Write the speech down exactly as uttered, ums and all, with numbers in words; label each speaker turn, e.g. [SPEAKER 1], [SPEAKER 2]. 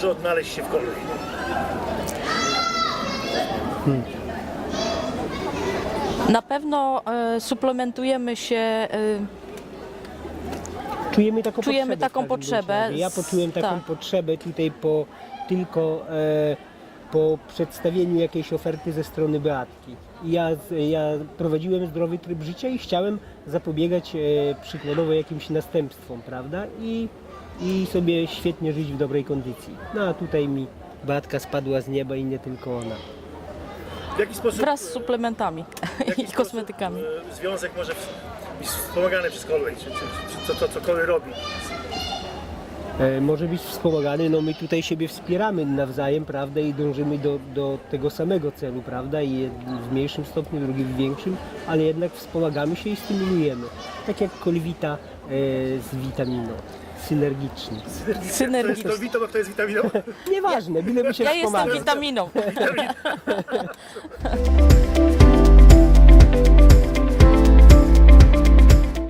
[SPEAKER 1] może odnaleźć się w kolei?
[SPEAKER 2] Hmm.
[SPEAKER 3] Na pewno e, suplementujemy się, e,
[SPEAKER 2] Czujemy taką
[SPEAKER 3] Czujemy
[SPEAKER 2] potrzebę. w
[SPEAKER 3] taką
[SPEAKER 2] każdym bądź
[SPEAKER 3] potrzebę
[SPEAKER 2] razie. Ja
[SPEAKER 3] z-
[SPEAKER 2] poczułem taką
[SPEAKER 3] tak.
[SPEAKER 2] potrzebę tutaj po tylko e, po przedstawieniu jakiejś oferty ze strony Beatki. I Ja, z- ja prowadziłem zdrowy tryb życia i chciałem zapobiegać e, przykładowo jakimś następstwom, prawda? I, I sobie świetnie żyć w dobrej kondycji. No a tutaj mi Beatka spadła z nieba i nie tylko ona.
[SPEAKER 1] W jaki sposób,
[SPEAKER 3] wraz z suplementami
[SPEAKER 1] w jaki
[SPEAKER 3] i
[SPEAKER 1] sposób,
[SPEAKER 3] kosmetykami.
[SPEAKER 1] e, związek może w- być wspomagany przez kolej, czy, czy, czy to, to co kolej robi?
[SPEAKER 2] E, może być wspomagany, no my tutaj siebie wspieramy nawzajem, prawda, i dążymy do, do tego samego celu, prawda, i jeden w mniejszym stopniu, drugi w większym, ale jednak wspomagamy się i stymulujemy, tak jak kolwita e, z witaminą, synergicznie.
[SPEAKER 3] Synergicznie.
[SPEAKER 1] To jest witaminą, a kto jest witaminą?
[SPEAKER 2] Nieważne, byleby się
[SPEAKER 3] Ja jestem
[SPEAKER 2] wspomagać.
[SPEAKER 3] witaminą.
[SPEAKER 1] Witamin.